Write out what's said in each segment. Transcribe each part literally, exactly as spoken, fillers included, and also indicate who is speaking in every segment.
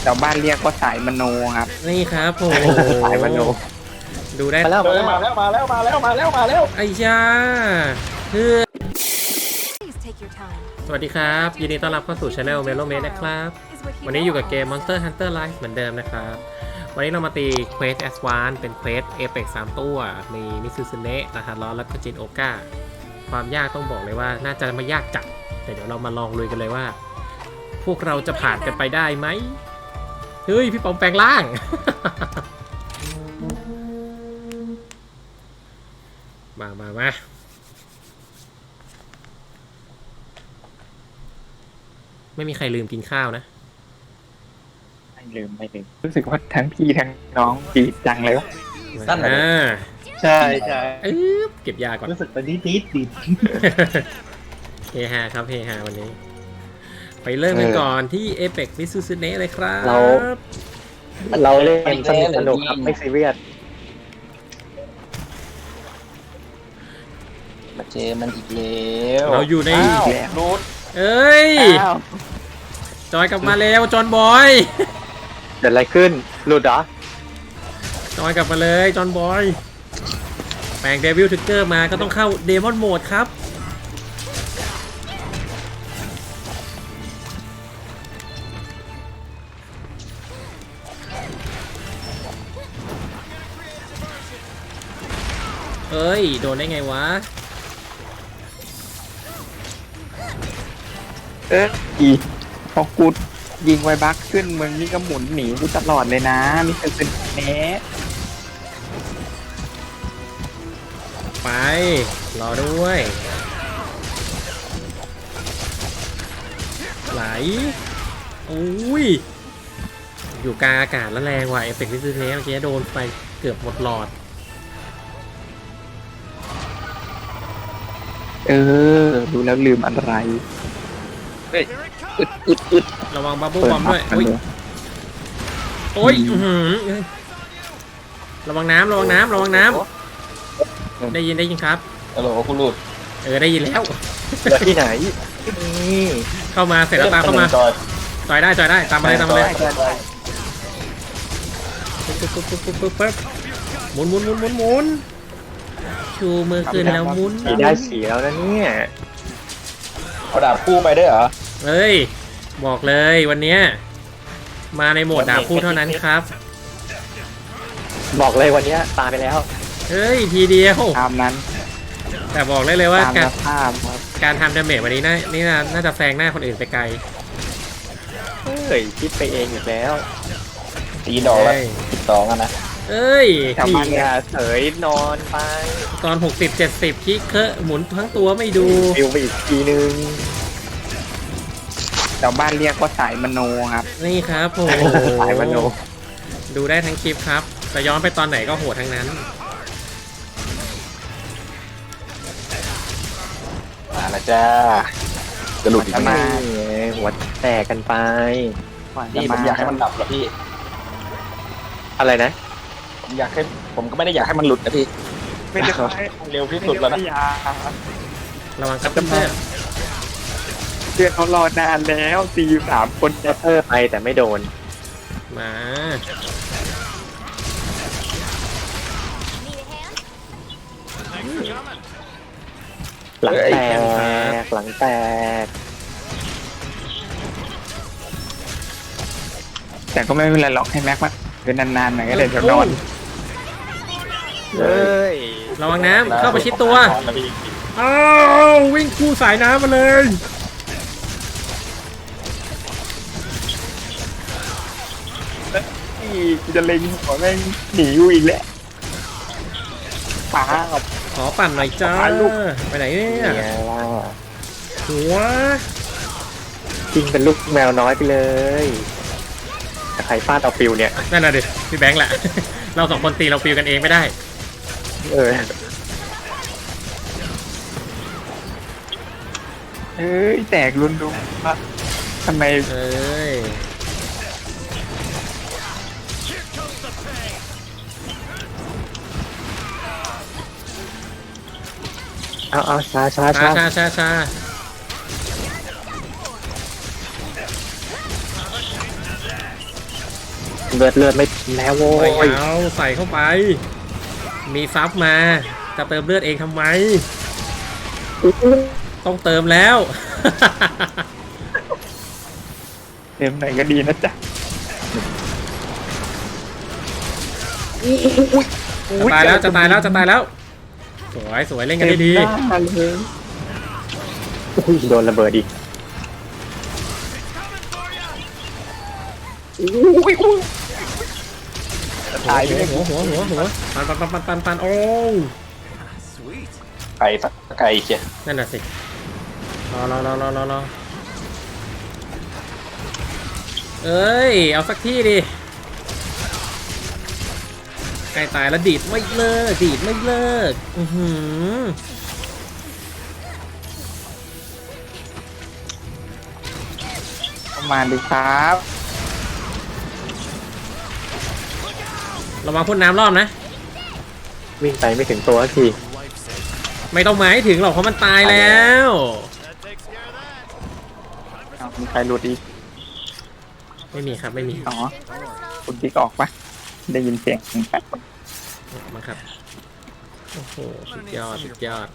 Speaker 1: ชาวบ้านเรียกว่าสายมโนครับ
Speaker 2: นี่ครับโอ้โห
Speaker 3: สายมโน
Speaker 2: ดูได้
Speaker 3: มาแล้วมาแล้วมาแล้วมาแล้วมาแล้วมาแล้ว
Speaker 2: ไอ้ยาคือสวัสดีครับยินดีต้อนรับเข้าสู่ช anel Melo Mate นะครับวันนี้อยู่กับเกม Monster Hunter Rise เหมือนเดิมนะครับวันนี้เรามาตี Quest Advance เป็น Quest Apex สามตัวมีมิซูซึเนะนาฮาร้อนแล้วก็จินโอก้าความยากต้องบอกเลยว่าน่าจะไม่ยากจัดแต่เดี๋ยวเรามาลองลุยกันเลยว่าพวกเราจะผ่านกันไปได้ไหมเฮ้ยพี่ปอมแปลงร่าง มามามาไม่มีใครลืมกินข้าวนะ
Speaker 1: ไม่ลืมไม่ลืมรู้สึกว่าทั้งพี่ทั้งน้องดีจังเลยวะ
Speaker 3: นั่นแหละ
Speaker 1: ใช่ใช่
Speaker 2: เอ๊บเก็บยาก่อน
Speaker 3: รู้สึกตอนนี้ดีดี
Speaker 2: เฮฮาครับเฮฮาวันนี้ไปเริ่มกันก่อนที่ Apex Mitsuzune เลยครับ
Speaker 3: เราเราเล่นสนุกสนุกครับไม่ซีเรียสมาเจอมันอีกแล้ว
Speaker 2: เราอยู่ใน
Speaker 3: รูท
Speaker 2: เอ้ยจอยกลับมาแล้วจอนบอย
Speaker 3: เกิดอะไรขึ้นหลุดเหรอ
Speaker 2: จอยกลับมาเลยจอนบอยแปลงเดวิลทริกเกอร์มาก็ต้องเข้าเดมอนโหมดครับเอ้ยโดนได้ไงวะ
Speaker 1: เอ๊ะอีพอกูยิงไวบักขึ้นมึงนี่ก็หมุนหนีกูตลอดเลยนะมิสเตอร์ซินเนส
Speaker 2: ไปรอด้วยไหลอุ้ยอยู่กลางอากาศแล้วแรงว่ะเอฟเฟกต์ที่ซื้อเนี้ยเมื่อกี้โดนไปเกือบหมดหลอด
Speaker 1: เออดูแล้วลืมอะไรเฮ้ยอึดอึดอึด
Speaker 2: ระวังบับเบิ้ลบอมด้วยอุ้ยโอ้ยระวังน้ำระวังน้ำระวังน้ำได้ยินได้ยินครับ
Speaker 3: ฮัลโหลคุณลูด
Speaker 2: เออได้ยินแล้ว
Speaker 3: ที่ไหน
Speaker 2: เข้ามาเสร็จแล้วตามเข้ามาจอยได้จอยได้ตามมาเลยตามมาเลยปึ๊บปึ๊บปึ๊บปึ๊บปึ๊บปึ๊บหมุนหมุนหมุนหมุนหมุนชูมือขึ้นแล้วหมุน
Speaker 3: ได้เสียแล้วนะเนี่ยเอาดาบคู่ไปด้วยเหรอ
Speaker 2: เฮ้ยบอกเลยวันนี้มาในโหมดดาบคู่เท่านั้นครับ
Speaker 3: บอกเลยวันนี้ตายไปแล้ว
Speaker 2: เฮ้ยทีเดียว
Speaker 1: ตามนั้น
Speaker 2: แต่บอกเลยเลยว่าการการทำดาเมจวันนี้น่านี่น่าจะแซงหน้าคนอื่นไปไกล
Speaker 3: เฮ้ยคิดไปเองอีกแล้วตีดอกแล้วสิบสองอ่ะนะ
Speaker 2: เอ้ย
Speaker 3: พี่อย่าเฉยนอนไป
Speaker 2: ตอนหกสิบ เจ็ดสิบคิกเคอะหมุนทั้งตัวไม่ดู
Speaker 3: ฟิวไปอีกทีนึง
Speaker 1: ชาวบ้านเรียกว่าสายมโนครับ
Speaker 2: นี่ครับโอ้
Speaker 3: สายมโน
Speaker 2: ดูได้ทั้งคลิปครับจะย้อนไปตอนไหนก็โหดทั้งนั้น
Speaker 3: มาแล้วจ้ากระหลุดอีกมาหัวแตกกันไปนี่ผมอยากให้มันดับเหรอพี่อะไรนะผมอยากให้ผมก็ไม่ได้อยากให้มันหลุดนะพี่ไม่ได้ให้เร็วที่สุดแล้วนะ
Speaker 2: ระวังครับเพื่อน
Speaker 1: เพื่อนเขารอนานแล้วสี่สามคน
Speaker 3: จะเพิ่มไปแต่ไม่โดน
Speaker 2: มา
Speaker 3: หลังแตกหลังแตก
Speaker 1: แต่ก็ไม่เป็นไรหรอกให้แม็กมาเป็นนานๆหน่อยก็เลยเดี๋ยวนอน
Speaker 3: เฮ้ย
Speaker 2: ระวังน้ำเข้าไปชิดตัวอ้าววิ่งคู่สายน้ำมาเลย
Speaker 1: นี่จะเล็งหัวแม่งหนีอยู่อีกแล้วป้า
Speaker 2: ขอปั่นหน่อยจ้าไปไหนเนี่ยหัว
Speaker 3: จริงเป็นลูกแมวน้อยไปเลยใครฟาดเอาฟิวเนี่ย
Speaker 2: นั่นน่ะดิพี่แบงค์แหละเราสองคนตีเราฟิวกันเองไม่ได้
Speaker 3: เออ
Speaker 1: เอ้ยแตกรุนดุทำไม
Speaker 2: เอ้ย
Speaker 3: เอาเอาชาชา
Speaker 2: ชาชาชาชา
Speaker 3: เเลือดเลือดไม่แล้วโว้
Speaker 2: ไม่
Speaker 3: ย
Speaker 2: เอาใส่เข้าไป มีซับมาจะเติมเลือดเองทำไม ต้องเติมแล้ว
Speaker 1: เต็มไหนก็ดีนะจ๊ะ
Speaker 2: จะตายแล้วจะตายแล้วจะตายแล้ว สวยสวยเล่นกันได้ดี
Speaker 1: เต็มหน้าเลย
Speaker 3: อุ้ยโดนระเบิดอีก
Speaker 1: อุ้ยอุ้ยจะตายเลย
Speaker 2: หัวหัวหัวหัวปันปันปันปันปันปันโอ้
Speaker 3: ไก่สักไก่เชีย
Speaker 2: นั่นน่ะสิรอรอรอรอรอรอเอ้ยเอาสักที่ดิใกล้ตายแล้วดีดไม่เลิกดีดไม่เลิกอือหือ
Speaker 1: ประมาณดีครับ
Speaker 2: ระวังพ่นน้ำรอบนะ
Speaker 3: วิ่งไปไม่ถึงตัวสักที
Speaker 2: ไม่ต้องหมายถึงหรอกเพราะมันตายแล้ว
Speaker 1: เอามีใครหลุดอีก
Speaker 2: ไม่มีครับไม่มี
Speaker 1: อ๋อคุณติ๊กออกปะได้ยินเสียงแป๊บ
Speaker 2: มาครับโอ้โหสุดยอดสุดยอด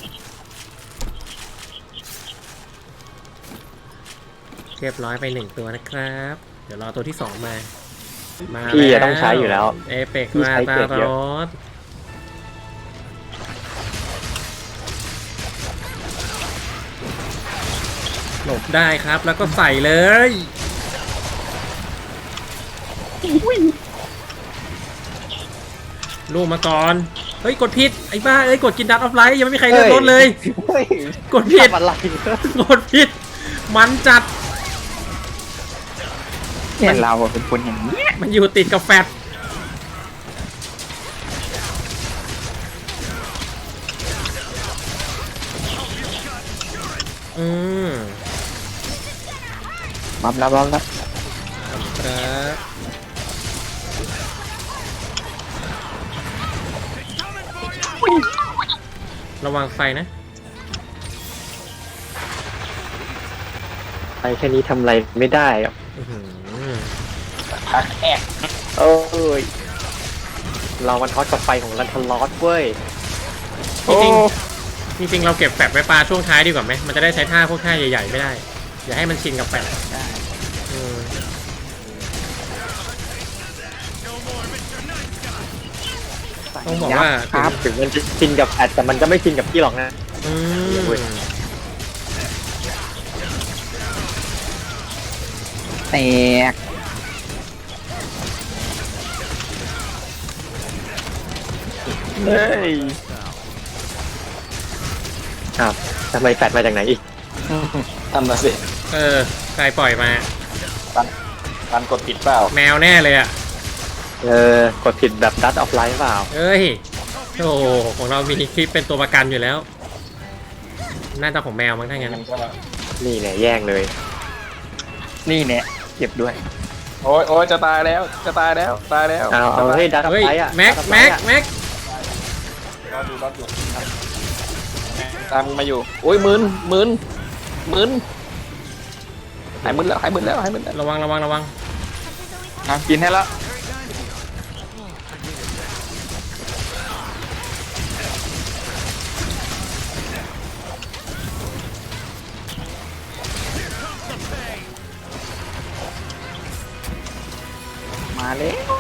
Speaker 2: เรียบร้อยไปหนึ่งตัวนะครับ เดี๋ยวรอตัวที่สองมามา
Speaker 3: พี่ต้องใช้อยู่แล้ว
Speaker 2: เอเปก
Speaker 3: พี่
Speaker 2: มา
Speaker 3: ใช้
Speaker 2: ตา
Speaker 3: เกรดเย
Speaker 2: ร
Speaker 3: อะ
Speaker 2: ถหลบได้ครับแล้วก็ใส่เลยลูกมาก่อนเฮ้ยกดผิดไอ้บ้าเอ้ยกดกินดัตออฟไลท์ยังไม่มีใครเลือกรถเลย
Speaker 3: เฮ้ย
Speaker 2: กดผิด
Speaker 3: ทำอะไร
Speaker 2: กดผิดมันจัด
Speaker 1: เนี่ยเราอะเป็นคนอย่างนี้ย
Speaker 2: มันอยู่ติดกับแฟตอืม
Speaker 1: บับแล้วบับแล้ว
Speaker 2: ครับระวังไฟนะ
Speaker 3: ไปแค่นี้ทำอะไรไม่ได้อะ
Speaker 2: อื้อหือ
Speaker 3: พักแอกเอ้ยเรามันฮอตกับไฟของลันทลอสเว้ย
Speaker 2: จริงๆจริงๆเราเก็บแฟตไว้ปลาช่วงท้ายดีกว่าไหมมันจะได้ใช้ท่าพวกท่าใหญ่ๆไม่ได้ อย่าให้มันชินกับแฟต
Speaker 1: ได้
Speaker 2: อืม ต้องบอกว่า
Speaker 1: ครับ
Speaker 3: ถึงมันจะชินกับแอดแต่มันก็ไม่ชินกับพี่หรอกนะ
Speaker 2: อืม
Speaker 1: แตกเฮ้ย
Speaker 3: อ้าวทำไมแฟดมาจากไหนอีกทำมาสิ
Speaker 2: เออใครปล่อยมา
Speaker 3: ปันกดผิดเปล่า
Speaker 2: แมวแน่เลยอ่ะ
Speaker 3: เออกดผิดแบบดัตออฟไลท์เปล่า
Speaker 2: เอ้ยโอ้โหของเรามีคลิปเป็นตัวประกันอยู่แล้ว น่าจะของแมวมั้งถ้างั้น
Speaker 3: นี่เนี่ยแย่งเลย
Speaker 1: นี่เนี่ยเก็บด้วย
Speaker 4: โอ้ยโอ้ยจะตายแล้ว จะตายแล้ว ตายแล้ว
Speaker 3: เอาเอาให้ดัตออฟ
Speaker 2: เฮ้ย
Speaker 3: ไลท์อะ
Speaker 2: แม็กแม็กแม็ก
Speaker 4: รอดูรอดูตามมาอยู่ โอ้ยหมื่นหมื่นหมื่นหายหมื่นแล้วหายหมื่นแล้วหายหมื่นแล้ว
Speaker 2: ระวังระวังระวัง
Speaker 1: น้ำกินให้แล้วมาแล้ว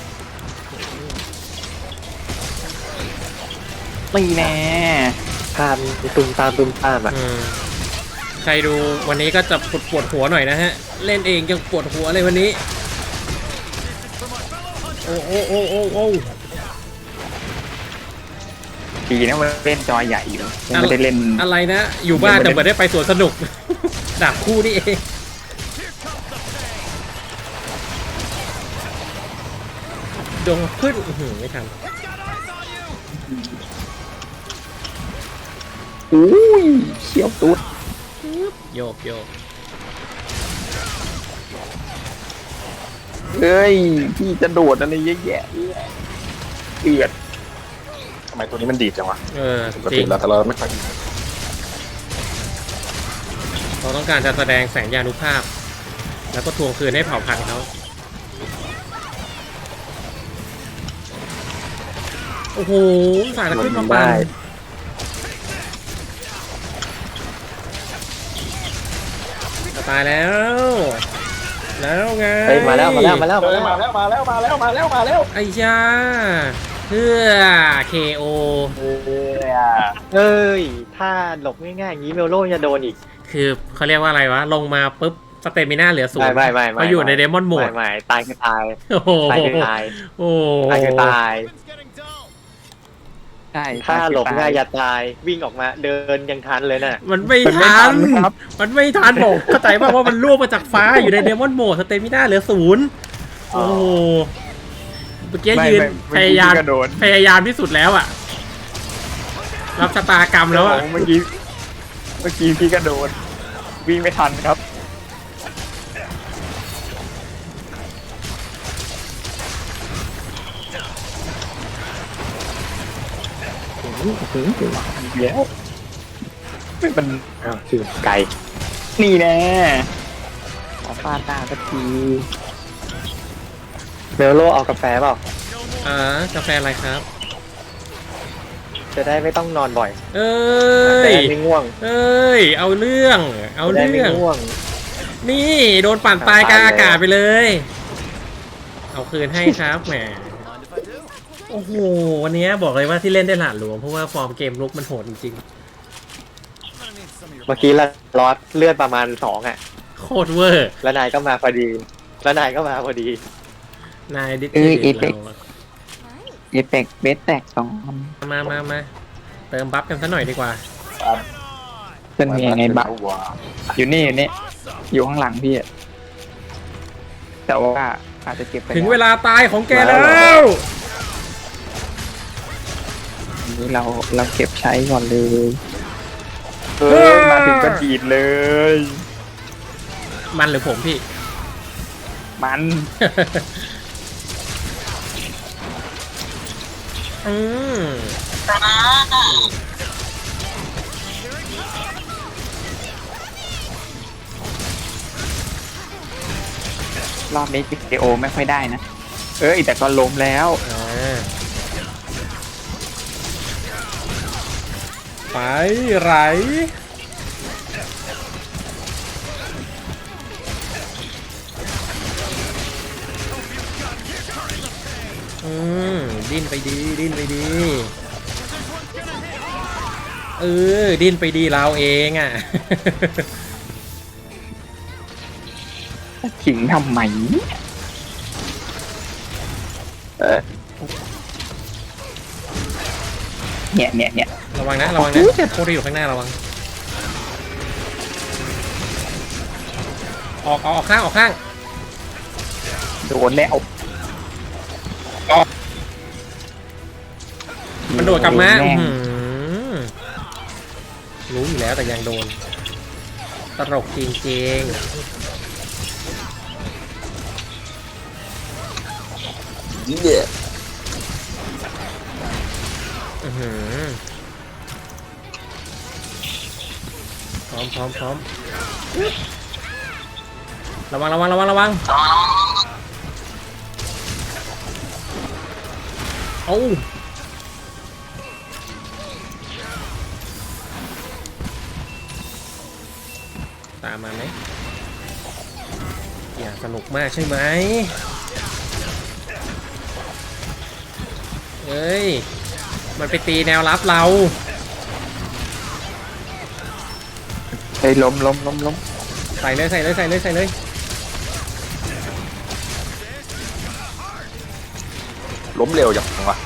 Speaker 1: ไม่แน่
Speaker 3: ตามตุมตามตุมตามอ่ะ
Speaker 2: อืมใครดูวันนี้ก็จะปวดปวดหัวหน่อยนะฮะ เล่นเองยังปวดหัวเลยวันนี้ โอ้โอ้โอ้โอ้โอ้
Speaker 1: ดีนะมันเล่นจอใหญ่อยู่ยังไม่ได้เล่น
Speaker 2: อะไรนะ อยู่บ้านแต่เหมือนได้ไปสวนสนุก ดาบคู่นี่เองโดนขึ้นอื้อหือไม่ทัน
Speaker 1: อุ้ยเชี่ยวตุ๊ด
Speaker 2: โยกโยก
Speaker 1: เฮ้ยพี่จะโดดอะไรเยอะแยะเอือด
Speaker 4: ทำไมตัวนี้มันดีดจังวะ
Speaker 2: เออ
Speaker 4: ปก
Speaker 2: จริ
Speaker 4: ติ
Speaker 2: ง
Speaker 4: เราแต่เราไม่ค่อย
Speaker 2: เราต้องการจะแสดงแสงยานุภาพ แล้วก็ทวงคืนให้เผ่าพันธุ์เขาโอ้โหสายจะขึ้นมา
Speaker 3: ได้
Speaker 2: ปั่นจะตายแล้ว แล้วไง
Speaker 3: เฮ้ยมาแล้วมาแล้วมาแล้ว
Speaker 4: เออมาแล้วมาแล้วมาแล้วมาแล้วมาแล้ว
Speaker 2: ไอ้ยาเพื่อ เค โอ
Speaker 3: เอ้ยถ้าหลบง่ายๆอย่างนี้เมลโล่จะโดนอีก
Speaker 2: คือเขาเรียกว่าอะไรวะ ลงมาปุ๊บสเตมิน่าเหลือศูน
Speaker 3: ไม่
Speaker 2: ย์
Speaker 3: ไม่ไม่ไม่
Speaker 2: เขาอยู่ในเดมอนโหม
Speaker 3: ไม่
Speaker 2: ด
Speaker 3: ไม่ตายคือตาย
Speaker 2: โอ้โห
Speaker 3: ตายคือตาย
Speaker 2: โอ้
Speaker 3: ตายคือตาย
Speaker 1: ใช่
Speaker 3: ถ้าหลบง่ายอย่าตายวิ่งออกมาเดินยังทันเลยน่ะ
Speaker 2: มันไม่
Speaker 1: มันไม่
Speaker 2: ทั
Speaker 1: ทั
Speaker 2: น
Speaker 1: นครับ
Speaker 2: มันไม่ทันบอกเข้าใจป่ะว่ามันล่วงมาจากฟ้าอยู่ในเดมอนโหมดสเตมิน่าเหลือศูนย์โอ้โหเมื่อกี้
Speaker 1: ไม่
Speaker 2: ยืน
Speaker 1: ไม่
Speaker 2: พยายาม
Speaker 1: เมื่อกี้กระโดด
Speaker 2: พยายามที่สุดแล้วอะรับชะตากรรมแล้วอะ
Speaker 1: เมื่อกี้เมื่อกี้พี่กระโดดวิ่งไม่ทันครับ เดี๋ยวไม่เป็น
Speaker 3: อ้าวคือไก่
Speaker 1: นี่แน่ขอฟาดหน้าสักที
Speaker 3: เมลโล่เอากาแฟเปล่า
Speaker 2: อ่ากาแฟอะไรครับ
Speaker 3: จะได้ไม่ต้องนอนบ่อย
Speaker 2: เอ้
Speaker 3: จะ
Speaker 2: ย
Speaker 3: ได้ไม่ง่วง
Speaker 2: เอ้ย เอาเรื่อง เอา
Speaker 3: จะได้
Speaker 2: เรื่
Speaker 3: ไม่
Speaker 2: อง
Speaker 3: ง่วง
Speaker 2: นี่โดนปั่นตายกลาง
Speaker 3: ตายแล้ว
Speaker 2: อากาศไปเลย เอาคืนให้ครับแหม โอ้โห วันนี้บอกเลยว่าที่เล่นได้หลาดหลวงเพราะว่าฟอร์มเกมลุกมันโหดจริง
Speaker 3: เมื่อกี้ละลอสเลือดประมาณสองอ่ะ
Speaker 2: ๆ โคตรเวอร์
Speaker 3: แล้วนายก็มาพอดี แล้วนายก็มาพอดี
Speaker 2: นายดิส
Speaker 1: เออ
Speaker 2: เครดิต
Speaker 1: เอฟเฟกต์
Speaker 2: เราอะ
Speaker 1: เอฟเฟกต์เบสแตกสองอัน
Speaker 2: มามามาเติมบัฟกันซะหน่อยดีกว่า
Speaker 1: เป็นยังไงบ้างอยู่นี่อยู่นี่อยู่ข้างหลังพี่อะแต่ว่าอาจจะเก็บไป
Speaker 2: ถึง
Speaker 1: แล้
Speaker 2: เวลาตายของแก
Speaker 3: มาแล้
Speaker 2: แล้ว ว
Speaker 1: อันนี้เราเราเก็บใช้ก่อนเลย
Speaker 2: เอ
Speaker 1: เฮ้
Speaker 2: อ
Speaker 1: ยมาถึงก็ดีดเลย
Speaker 2: มันหรือผมพี่
Speaker 1: มัน
Speaker 2: อืม
Speaker 1: รอบนี้พีเคโอไม่ค่อยได้นะ เออแต่ก็ล้มแล้ว
Speaker 2: อ่าไปไหลอืมดิ้นไปดี ดิ้นไปดี เออ ดิ้นไปดีเราเองอ่ะ
Speaker 1: ขิงทำไมเออเนี่ยเนี่ยเนี่ย
Speaker 2: ระวังนะ ระวังนะพวกที่อยู่ข้างหน้าระวัง ออกออกออกข้างออกข้าง
Speaker 1: โดนแล้ว
Speaker 2: มันโดดกลับมา
Speaker 1: แง
Speaker 2: อื้อหือรู้อยู่แล้วแต่ยังโดน ตลกจริงๆอื้อหือพร้อมพร้อมพร้อมระวังระวังระวังระวังเอา ตามมาไหมอย่าสนุกมากใช่ไหมเอ้ย มันไปตีแนวรับเรา
Speaker 1: เฮ้ยล้มล้มล้มล้ม
Speaker 2: ใส่เลยใส่เลยใส่เลยใส่เลย
Speaker 4: ล้มเร็วจังวะ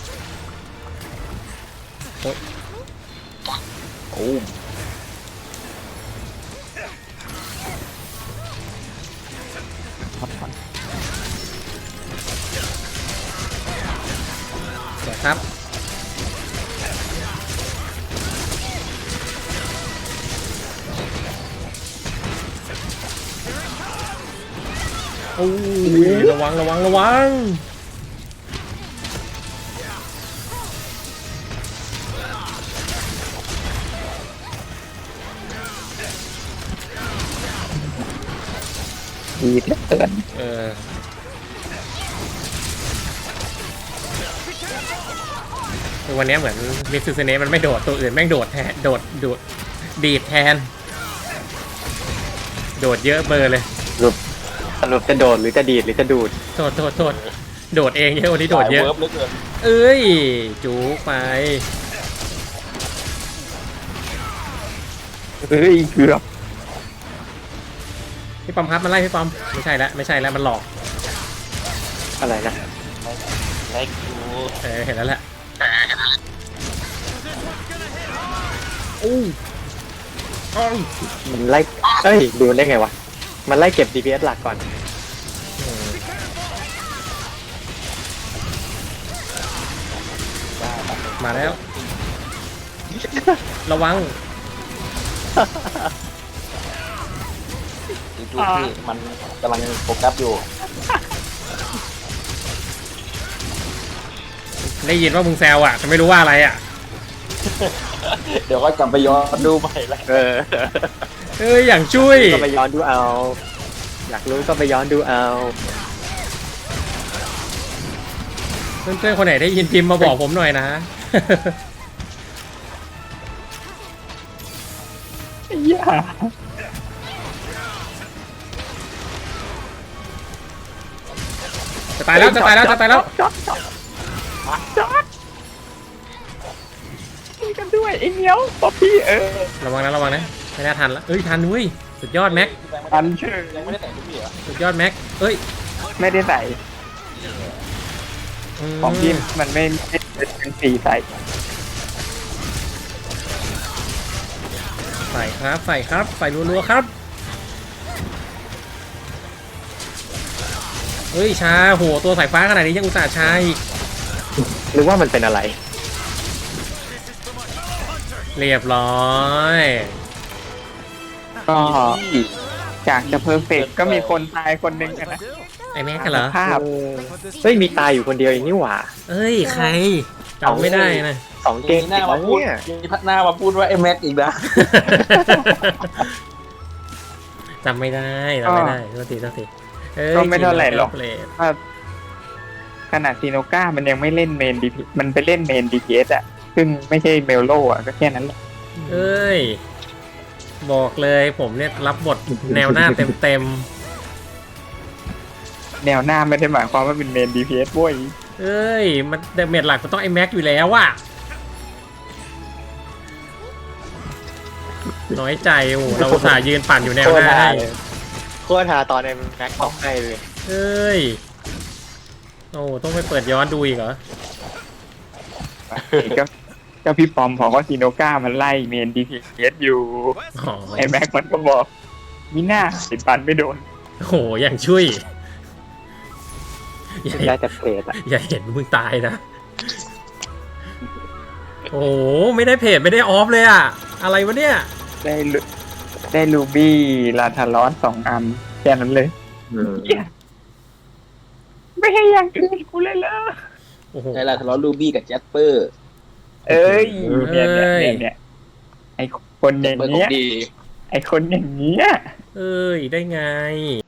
Speaker 2: โอ๊ย
Speaker 4: โอ้
Speaker 2: เดี๋ยวครับ โอ้ยระวังระวังระวัง
Speaker 1: ดีเหลือเกิน
Speaker 2: เออคือวันนี้เหมือนมิสซูเนมันไม่โดดตัวอื่นแม่งโดดแทนโดดโดดดีดแทน โดดเยอะเบอร์เลย
Speaker 3: สรุปจะโดดหรือจะดีดหรือจะดูด
Speaker 2: โทษโทษโทษโดดเองเยอะวันนี้โดดเยอะ
Speaker 4: สาวิร์บเหลือเกิน
Speaker 2: เอ้ยจูไป
Speaker 1: เฮ้ยเกือบ
Speaker 2: พี่ปอมครับมันไล่พี่ปอมไม่ใช่แล้วไม่ใช่แล้วมันหลอก
Speaker 3: อะไรนะ
Speaker 4: ไล่กู
Speaker 2: เออเห็นแล้วแหละอู้อ้าว
Speaker 3: มันไล่เอ้ยดูได้ไงวะมันไล่เก็บ ดี พี เอส หลักก่อน
Speaker 2: มาแล้ว ระวัง
Speaker 4: อีกลูกที่มันกำลังโฟกัสอยู่
Speaker 2: ได้ยินว่ามึงแซวอ่ะแต่ไม่รู้ว่าอะไรอ่ะ
Speaker 4: เดี๋ยวก็กลับไปย้อนดูใหม่ละ
Speaker 3: เออ
Speaker 2: เอ้ยอย่างช่วย
Speaker 3: ก็ไปย้อนดูเอา อยากรู้ก็ไปย้อนดูเอา
Speaker 2: เพื่อนๆคนไหนได้ยินพิมพ์มาบอกผมหน่อยนะ
Speaker 1: อย่า
Speaker 2: จะตายแล้วจะตายแล้วจะตายแล้ว
Speaker 1: จอดจอดจอดช่วยกันด้วยไอ้เหนียวป๊อปปี้เออ
Speaker 2: ระวังนะระวังนะไม่น่าทันละเอ้ยทันเว้ยสุดยอดแม็ก
Speaker 1: อันเชื่อ
Speaker 4: ยังไม่ได้แต่งทุกทีเหรอ
Speaker 2: สุดยอดแม็กเอ้ย
Speaker 1: ไม่ได้ใส่
Speaker 2: ม
Speaker 1: ของพี่มันไม่ไม่เป็นสีใส่
Speaker 2: ใส่ครับใส่ครับใส่รัวๆครับเฮ้ยชาโหตัวสายฟ้าขนาดนี้ยังอุตส่าห์ชาอีก
Speaker 3: หรือว่ามันเป็นอะไร
Speaker 2: เรียบร้อย
Speaker 1: ก็จากจะเพอร์เฟกก็มีคนตายคนหนึ่งอะนะ
Speaker 2: ไอ้แม็กกันเหรอ
Speaker 1: ภาพ
Speaker 3: เออเฮ้ยมีตายอยู่คนเดียวเองนี่หว่า
Speaker 2: เอ้ยใครจำไม่ได้นะ
Speaker 3: สองเก
Speaker 4: มี
Speaker 3: ม
Speaker 4: หน้ามาพูด
Speaker 3: เนี่ย
Speaker 4: มีพักหน้ามาพูดว่าไอ้แม็กอีกนะ
Speaker 2: จำไม่ได้จำไม่ได้โทษทีโทษทีเอ้ย
Speaker 1: ก็ไม่เท่าไหร่หรอก
Speaker 2: เปลด
Speaker 1: ว่าขนาดซีโนก้ามันยังไม่เล่นเมนดีพีมันไปเล่นเมนดีพีเอสอะซึ่งไม่ใช่เมลโลอะก็แค่นั้นแหละ
Speaker 2: เอ้ยบอกเลยผมเนี่ยรับบทแนวหน้าเต็มเต็ม
Speaker 1: แนวหน้าไม่ได้หมายความว่าเป็นเมนดีพีเอสบ้ย
Speaker 2: ๆเอ้ยมันเดเมจหลักมันต้องไอ้แม็กอยู่แล้วว่ะน้อยใจโอ้โหเราอุตส่าห์ยืนปั่นอยู่แนวหน้าให้
Speaker 3: โคตรหาตอนในแม็กต้องให้เลย
Speaker 2: เอ้ยโอ้ต้องไปเปิดย้อนดูอีกเหรอ
Speaker 1: ก็ก็พี่ปอมบอกว่าซีโนก้ามันไล่เมนดีพีเอสอยู่
Speaker 2: อ๋อ
Speaker 1: ไอ้แม็กมันก็บอกมิน่าติดปันไม่โดน
Speaker 2: โอ้โหอย่างช่วยอย่า
Speaker 3: ได้แต่เพจอะ
Speaker 2: อย่าเห็นมึงตายนะ โอ้โหไม่ได้เพจไม่ได้ออฟเลยอะอะไรวะเนี่ย
Speaker 1: ได้ลูได้ลูบี้ลาทารอสสองอันแค่นั้นเลยเหี้ยไม่ให้อย่างอื่นกูเลยเหรอ
Speaker 2: โอ้โห
Speaker 4: ใช่ละทะเลาะลูบี้กับแจ็คเปอร์
Speaker 1: เอ้ยเนี่ย
Speaker 2: เอ้
Speaker 1: เนี่ย
Speaker 2: ย
Speaker 1: เนี่ยเนี่ยไอคนอย่าง
Speaker 4: เปอร์ขอ
Speaker 1: เงี้
Speaker 4: ง
Speaker 1: ย
Speaker 4: ดี
Speaker 1: ไอคนอย่างเงี้ย
Speaker 2: เอ้ยได้ไง